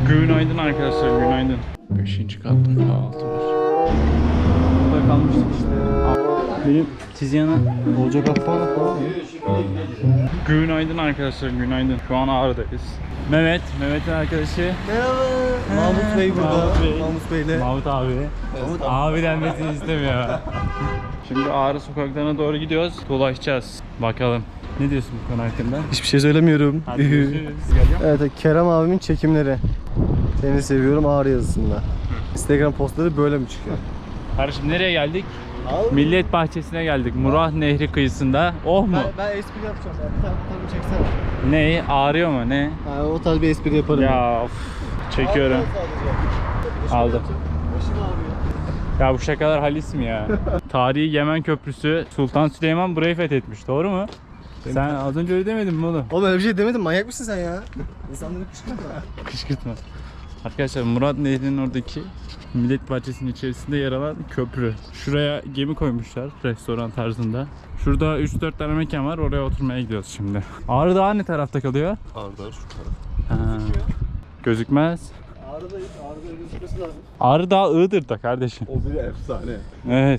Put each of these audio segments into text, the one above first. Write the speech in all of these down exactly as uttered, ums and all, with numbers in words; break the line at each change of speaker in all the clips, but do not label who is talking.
Günaydın arkadaşlar, günaydın. Beşinci katta kahvaltı var. Burada kalmıştık işte. Benim Tiziana olacak hafta falan mı? Günaydın arkadaşlar, günaydın. Şu an Ağrı'dayız. Mehmet, Mehmet'in arkadaşı.
Merhaba. Mahmut Bey burada.
Mahmut Bey.
Mahmut Bey'le.
Mahmut abi.
Mahmut
Abi denmesini istemiyor. Şimdi Ağrı sokaklarına doğru gidiyoruz. Dolaşacağız. Bakalım. Ne diyorsun bu konu hakkında?
Hiçbir şey söylemiyorum.
Hadi görüşürüz.
Evet, Kerem abimin çekimleri. Seni seviyorum Ağrı yazısında. Instagram postları böyle mi çıkıyor?
Kardeşim nereye geldik?
Abi.
Millet Bahçesi'ne geldik. Murat Nehri kıyısında. Oh mu?
Ben, ben espri yapacağım. Yani. Bir tane fotoğrafımı çeksene.
Ne? Ağrıyor mu? Ne?
Ha, o tarz bir espri yaparım.
Ya of. Çekiyorum. Aldım.
Başım ağrıyor.
Ya bu şakalar halis mi ya? Tarihi Yemen Köprüsü, Sultan Süleyman burayı fethetmiş. Doğru mu? Sen az önce öyle demedin mi oğlum?
Oğlum öyle bir şey demedim. Manyak mısın sen ya? İnsanları kışkırtma.
Kışkırtma. Arkadaşlar Murat Nehri'nin oradaki Millet Bahçesi'nin içerisinde yer alan köprü. Şuraya gemi koymuşlar restoran tarzında. Şurada üç dört tane mekan var, oraya oturmaya gidiyoruz şimdi. Ağrı Dağı ne tarafta kalıyor?
Ağrı Dağı şu taraf.
Ha. Gözükmez.
Ağrı'da, Ağrı'da gözükmesi lazım.
Ağrı Dağı Iğdır'da kardeşim.
O bir efsane.
Evet.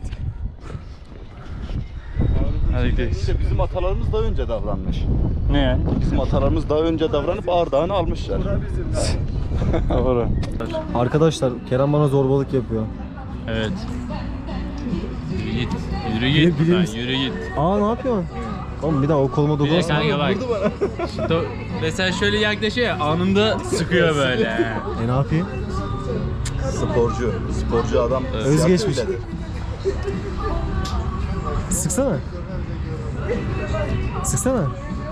Hadi gidelim.
İşte bizim atalarımız daha önce davranmış.
Ne yani?
Bizim atalarımız daha önce davranıp Ağrı Dağı'nı almışlar.
Doğru.
Arkadaşlar Kerem bana zorbalık yapıyor.
Evet. Yürü git. Yürü git.
Bilir
buradan,
misin?
Yürü git.
Aa ne yapıyorsun? Oğlum bir daha o koluma
Bir de
dokunursan.
kanka bak. Do- Mesela şöyle yaklaşıyor ya, anında sıkıyor böyle.
E ne yapayım?
Sporcu. Sporcu adam.
Özgeçmiş.
Öyledir.
Sıksana. Sıksana.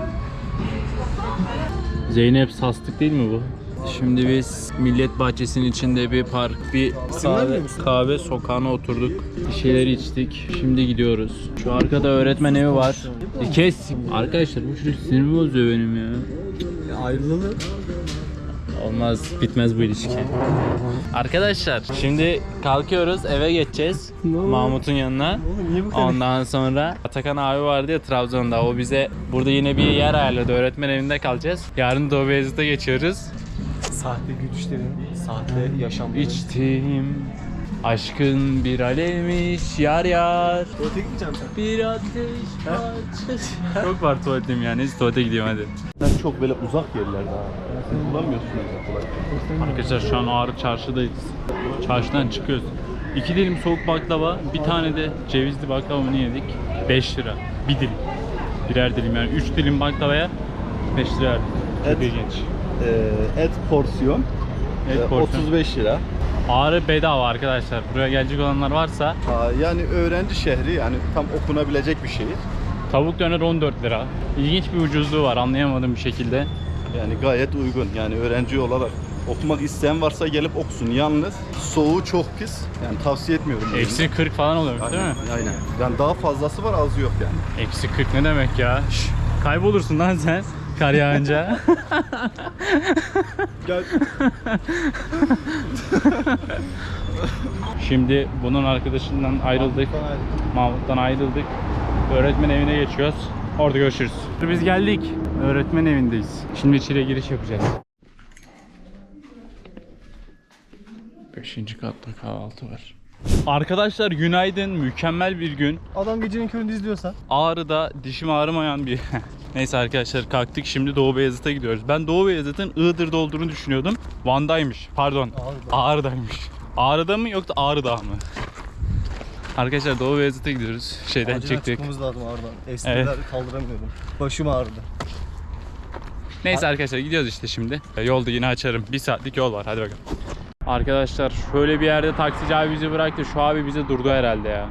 Zeynep Sastık değil mi bu? Şimdi biz Millet Bahçesi'nin içinde bir park, bir kahve,
vermiyor musun?
kahve sokağına oturduk. Bir şeyler içtik. Şimdi gidiyoruz. Şu arkada öğretmen evi var. E kes. Arkadaşlar bu çocuk sinirimi bozuyor benim ya.
Ya ayrılalım.
Olmaz, bitmez bu ilişki. Arkadaşlar şimdi kalkıyoruz, eve geçeceğiz.
Ne oldu?
Mahmut'un yanına.
Oğlum niye bu kadar?
Ondan sonra Atakan abi vardı ya Trabzon'da. O bize burada yine bir yer ayarladı. Öğretmen evinde kalacağız. Yarın Doğu Beyazıt'a geçiyoruz.
Sahte gülüşlerin, sahte yaşamların.
İçtiğim aşkın bir alevmiş yar yar.
Tuvalete gitmeyeceğim sen.
Bir ateş parçası. Çok var tuvaletim ya. Neyse tuvalete gidiyorum hadi.
Sen çok böyle uzak yerlerde abi. Siz bulamıyorsunuz ya kolay.
Arkadaşlar şu an Ağrı Çarşı'dayız. Çarşıdan çıkıyoruz. İki dilim soğuk baklava, bir tane de cevizli baklavamı yedik. beş lira. Bir dilim. Birer dilim yani. Üç dilim baklavaya beş lira verdik. Çok
Evet.
ilginç.
Ee, et porsiyon.
Et
Ee,
porsiyon.
otuz beş lira.
Ağrı bedava arkadaşlar. Buraya gelecek olanlar varsa
Aa, yani öğrenci şehri, yani tam okunabilecek bir şehir.
tavuk döner on dört lira. İlginç bir ucuzluğu var anlayamadığım bir şekilde.
Yani gayet uygun. Yani öğrenci olarak okumak isteyen varsa gelip okusun. Yalnız soğuğu çok pis. Yani tavsiye etmiyorum.
Eksi kırk falan oluyormuş değil mi?
Aynen, aynen. Yani daha fazlası var, azı yok yani.
Eksi kırk ne demek ya? Şş, kaybolursun lan sen kar yağınca.
Gel.
Şimdi bunun arkadaşından ayrıldık. Mahmut'tan ayrıldık. Öğretmen evine geçiyoruz. Orada görüşürüz. Biz geldik. Öğretmen evindeyiz. Şimdi içeriye giriş yapacağız. Beşinci katta kahvaltı var. Arkadaşlar günaydın. Mükemmel bir gün.
Adam gecenin köründe izliyorsa.
Ağrı'da dişim ağrımayan bir... Neyse arkadaşlar kalktık, şimdi Doğu Beyazıt'a gidiyoruz. Ben Doğu Beyazıt'ın Iğdır'da olduğunu düşünüyordum. Van'daymış. Pardon.
Ağrı'da.
Ağrı'daymış. Ağrı'da mı yoksa Ağrı'da mı? Arkadaşlar Doğu Beyazıt'a gidiyoruz. Şeyden
Acilen
çıktık.
çıkmamız lazım Ağrı'dan. Espriler
Evet.
kaldıramıyorum. Başım ağrıdı.
Neyse arkadaşlar gidiyoruz işte şimdi. Yolda yine açarım. Bir saatlik yol var. Hadi bakalım. Arkadaşlar şöyle bir yerde taksici abi bizi bıraktı. Şu abi bize durdu herhalde ya.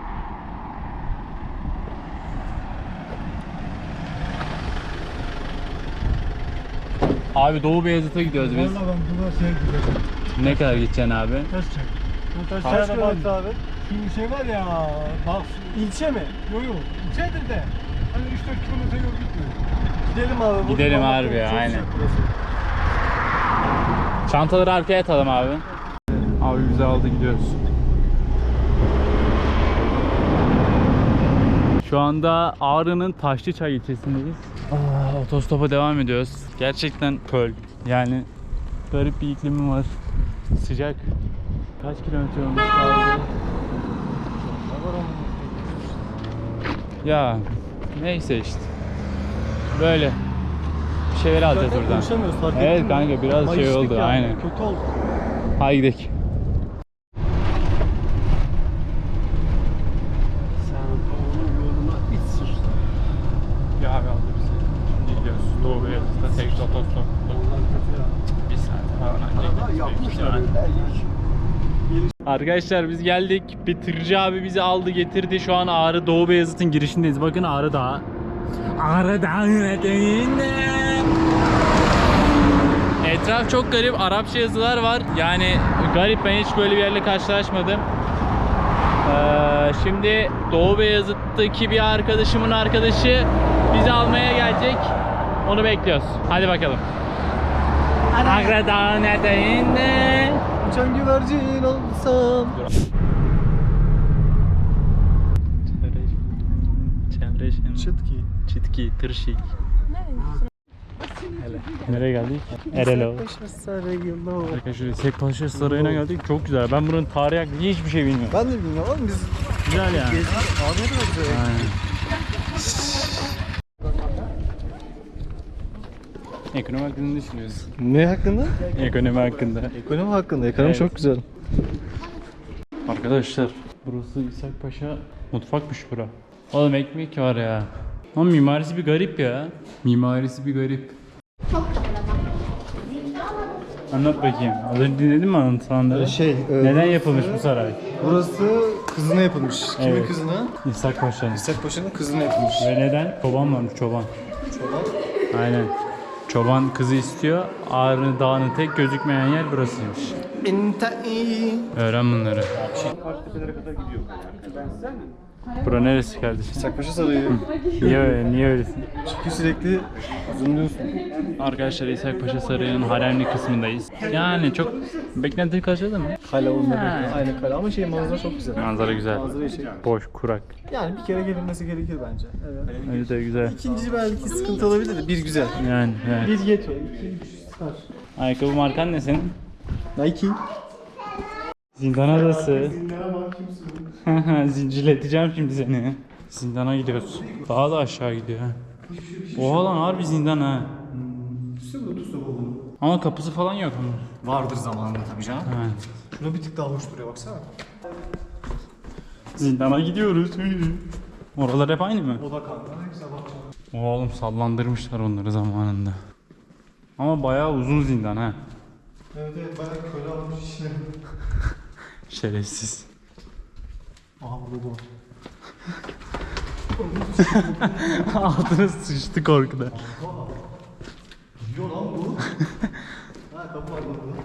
Abi Doğu Beyazıt'a gidiyoruz biz.
Valla ben burada şey gidiyorum.
Ne kadar gideceksin abi?
Taş çek. Bu taş
Kaç
çek'e bak.
kilometre abi?
Şu şey var ya. Bak ilçe mi? Yok yok. İlçedir de. Hani üç dört kilometre yol gitmiyor.
Gidelim abi. burada
Gidelim
vallahi
harbi ya,
çok
aynen.
sıcak burası.
Çantaları arkaya atalım abi. Abi bizi aldı, gidiyoruz. Şu anda Ağrı'nın Taşlıçay ilçesindeyiz. Aa, otostopa devam ediyoruz. Gerçekten köl. Yani garip bir iklimi var. Sıcak. Kaç kilometre olmuş kaldı? Ya neyse işte. Böyle. Bir şeyler alacağız
Zaten
buradan.
konuşamıyoruz, fark ettin
Evet
mi?
kanka biraz şey
Mayıştık
oldu
yani,
aynen.
Kötü oldu.
Haydi gidelim.
Sen onun yoluna iç sür.
Bir abi aldı bizi. Şimdi gidiyoruz. Doğu Beyazıt'ta sekiz otostop. Bir saat falan ancak. Arkadaşlar biz geldik. Bir tırcı abi bizi aldı getirdi. Şu an Ağrı Doğu Beyazıt'ın girişindeyiz. Bakın Ağrı Dağı. Ağrı Dağı eteğinde. Etraf çok garip. Arapça yazılar var. Yani garip, ben hiç böyle bir yerle karşılaşmadım. Ee, şimdi Doğu Beyazıt'taki bir arkadaşımın arkadaşı bizi almaya gelecek. Onu bekliyoruz. Hadi bakalım. Ağrı Dağı eteğinde.
Uçan güvercin olsam. Çıtki.
Çitki, tırşik. Nereye geldik? Erelo. Arkadaşlar İshak Paşa Sarayı'na geldik. Çok güzel. Ben buranın tarihi hakkında hiçbir şey bilmiyorum.
Ben de bilmiyorum oğlum, biz
Güzel yani.
gezdik. Abi ne kadar güzel.
Aynen. Ekonomi hakkında ne düşünüyorsun?
Ne hakkında?
Ekonomi hakkında.
Ekonomi hakkında. Ekonomi
Evet.
çok güzel.
Arkadaşlar burası İshak Paşa mutfakmış bura. Oğlum ekmek var ya. Ama mimarisi bir garip ya. Mimarisi bir garip. Anlat bakayım. Az önce dinledin mi anlatılanları?
Şey, e,
Neden yapılmış bu saray?
Burası kızına yapılmış. Kimin
Evet.
kızına?
İshak Paşa'nın.
İshak Paşa'nın kızına yapılmış.
Ve neden? Çoban varmış, çoban.
Çoban.
Aynen. Çoban kızı istiyor. Ağrı Dağı'nın tek gözükmeyen yer burasıymış.
İntai.
Öğren bunları. Bura neresi kardeşim?
İshak Paşa Sarayı.
Niye öyle? Niye öylesin?
Çünkü sürekli zoomluyorsun.
Arkadaşlar İshak Paşa Sarayı'nın haremli kısmındayız. Yani çok beklentili karşıladı mı?
Kale olmadı.
Ha.
Aynı kale ama şey, manzara çok güzel.
Manzara güzel.
Manzara şey.
Boş, kurak.
Yani bir kere gelinmesi gerekir bence. Evet.
Öyle de güzel.
İkinci belki sıkıntı olabilir de bir güzel.
Yani, yani.
Bir yetiyor. İki üç star.
Ayakkabı markan ne senin?
Nike.
Zindan adası. Zincirleteceğim şimdi seni. Zindana gidiyoruz. Daha da aşağı gidiyor ha. Oha lan harbi zindan ha. Ama kapısı falan yok ama.
Vardır zamanında tabii canım.
Ha.
Şuna bir tık daha hoş duruyor baksana.
Zindana gidiyoruz. Oralar hep aynı mı?
O da kanka ne güzel bak.
Oğlum sallandırmışlar onları zamanında. Ama bayağı uzun zindan ha.
Evet evet, bayağı köle almış işine.
Şerefsiz.
Aha burada bu.
Altına sıçtı korkuda.
Yiyor lan bu. Ha, kapı var burada.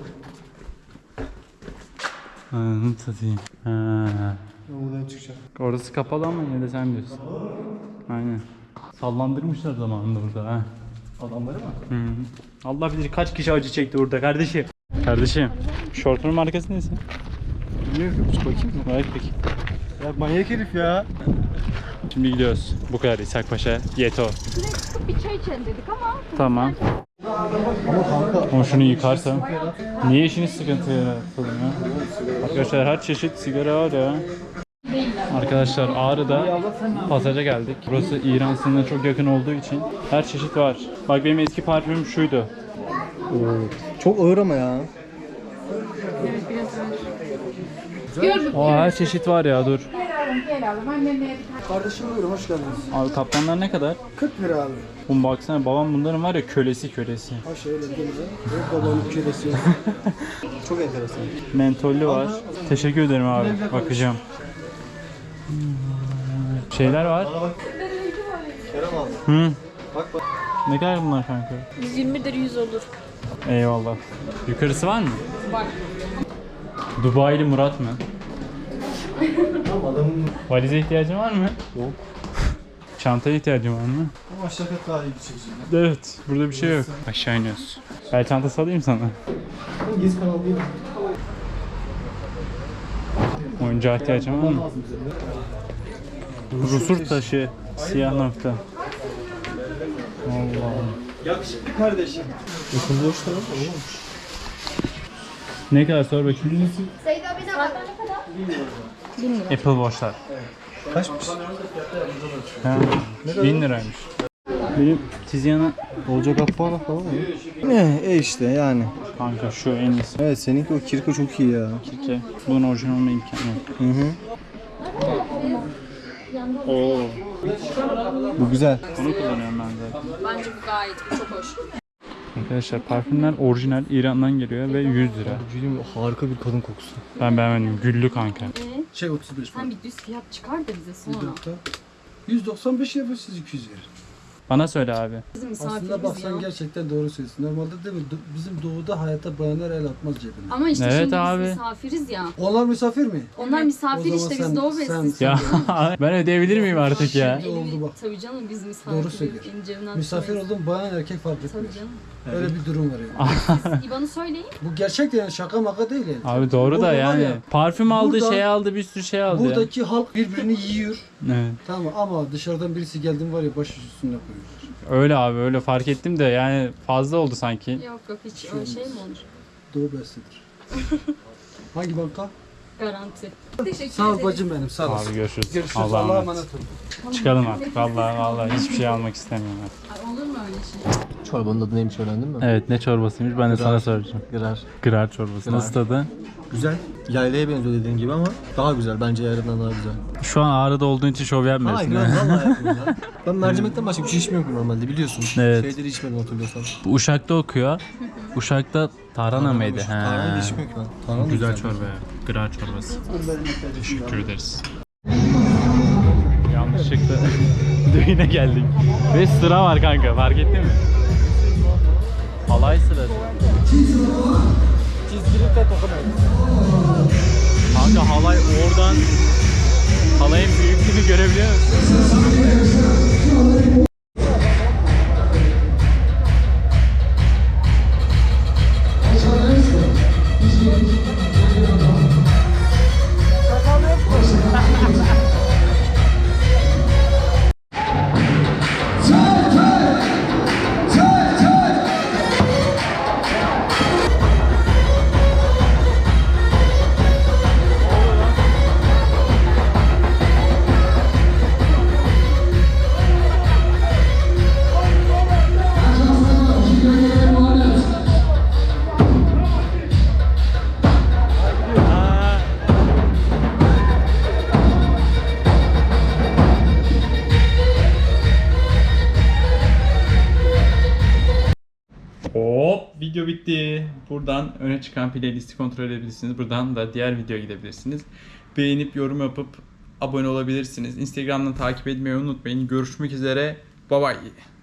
Anladım satayım. Ha.
Oradan çıkacak.
Orası kapalı ama yine de sen biliyorsun. Aynen. Sallandırmışlar zamanında burada ha.
Adamları mı?
Hı. Allah bilir kaç kişi acı çekti burada kardeşim. Kardeşim, şortunun markası neyse?
Bilmiyorum ki, bakayım mı?
Bak peki.
Ya manyak herif ya.
Şimdi gidiyoruz. Bu kadar İshak Paşa, Yeto.
Bir çay içelim dedik ama
Tamam.
Ama kanka.
Ama şunu yıkarsam. Niye işini sıkıntıya yaratalım ya? Arkadaşlar her çeşit sigara var ya. Arkadaşlar Ağrı'da pasaja geldik. Burası İran sınırına çok yakın olduğu için her çeşit var. Bak benim eski parfümüm şuydu.
Çok ağır ama ya.
Aa, her çeşit var ya dur.
gel aldım annemle.
Kardeşim buyurun, hoş geldiniz.
Abi kaptanlar ne kadar?
kırk lira abi.
Oğlum baksana babam bunların var ya kölesi kölesi.
Ha şöyle denize. Ve babanın kölesi. Çok enteresan.
Mentollü var. Teşekkür ederim abi. Bakacağım. Şeyler var.
Bana bak. Kerem abi.
Hı.
Bak bak.
Ne kadar bunlar kanka?
yüz yirmi lira yüz olur.
Eyvallah. Yukarısı var mı?
Var.
Dubai'li Murat mı?
Tamam, adamın
Valize ihtiyacın var mı?
Yok.
Çantaya ihtiyacın var mı?
ama aşağı kat daha iyi bir çekici.
Evet. Burada bir şey yok. Aşağı iniyoruz. Bel çantası alayım sana.
Gez kanal değil mi?
Oyuncağa ihtiyacın var mı? Rusur taşı. Siyah nokta. Allah'ım.
Yakışıklı kardeşim. Yakında hoş tamam olmamış.
Ne kadar sor bakayım.
Seyda bize bak. Ne kadar? bin lira.
Apple Watch'lar.
Kaçmış?
Ha, bin liraymış. Benim Tiziana
Olacak Akbağ'la falan mı? Ne? E işte yani.
kanka şu en iyisi.
Evet seninki o Kirko çok iyi ya.
Ki bunun orijinal olma imkanı yok.
Hı hı.
Oo.
Bu güzel.
Bunu kullanıyorum ben zaten.
Bence bu gayet çok hoş.
Arkadaşlar parfümler orijinal İran'dan geliyor ve yüz lira.
Gülüm harika bir kadın kokusu.
Ben beğenmedim. Güllü kanka.
Şey otuz beş
Sen bir düz fiyat çıkar da bize sonra.
yüz doksan beş yapıyor, siz iki yüz verin.
Bana söyle abi.
Bizim
Aslında
misafirimiz
bak sen
ya.
gerçekten doğru söylüyorsun. Normalde değil mi? Do- Bizim doğuda hayata bayanlar el atmaz cebine.
Ama işte
Evet
şimdi
abi.
biz misafiriz ya.
Onlar misafir mi?
Onlar misafir
O zaman
işte
sen-
biz doğu
sen-
besliyiz.
Ya ben ödeyebilir miyim artık ya?
Şimdi oldu bak.
Tabii canım biz misafiriz.
Doğru söylüyor.
Elin cebinden
Misafir
tutamayız.
oldun bayan erkek fark
Tabii
etmiyor.
canım.
Öyle bir durum var yani.
Siz İban'ı söyleyin.
Bu gerçek de yani şaka maka değil yani.
Abi doğru da
Burada var
yani.
ya,
Parfüm aldı,
burada-
şey aldı, bir sürü şey aldı. ya.
Buradaki halk birbirini yiyor.
Evet.
Tamam ama dışarıdan birisi geldi mi var ya baş üstüne koyuyor.
Öyle abi öyle fark ettim de yani fazla oldu sanki.
Yok yok hiç öyle şey mi olur?
Doğu beslidir. Hangi banka?
Garanti. Teşekkür
Sağ ol
ederim.
bacım benim sağ olasın.
Abi görüşürüz.
Görüşürüz.
Allah'a
Allah'a
emanet.
emanet olun.
Çıkalım artık. Vallahi vallahi hiçbir şey almak istemiyorum artık.
Ay, olur mu öyle şey?
Çorbanın adı neymiş öğrendin mi?
Evet ne çorbasıymış ben de sana soracağım.
Gırar.
Gırar çorbası.
Gırar.
Nasıl tadı?
Güzel. Yaylaya benziyor dediğin gibi ama daha güzel. Bence yayla'dan daha güzel.
Şu an Ağrı'da olduğun için şov yapmıyorsun.
Hayır
ha?
lan vallahi yapmıyorum ya. Ben mercimekten başka bir şey içmiyorum normalde biliyorsun.
Evet.
Şeyleri içmedim hatırlıyorsan.
Bu Uşak'ta okuyor. Uşak'ta tarhana mıydı?
Tarhana da içmiyorum ki ben. Tarhana da
Güzel çorba ya. Gırar çorbası. Teşekkür ederiz. Yanlışlıkla düğüne geldik. Ve sıra var kanka fark ettin mi? Halay sırası.
Çizgilikte tokamayız.
Kanka halay oradan halayın büyüklüğünü görebiliyor musun? Hop video bitti. Buradan öne çıkan playlisti kontrol edebilirsiniz. Buradan da diğer videoya gidebilirsiniz. Beğenip yorum yapıp abone olabilirsiniz. Instagram'dan takip etmeyi unutmayın. Görüşmek üzere. Bye bye.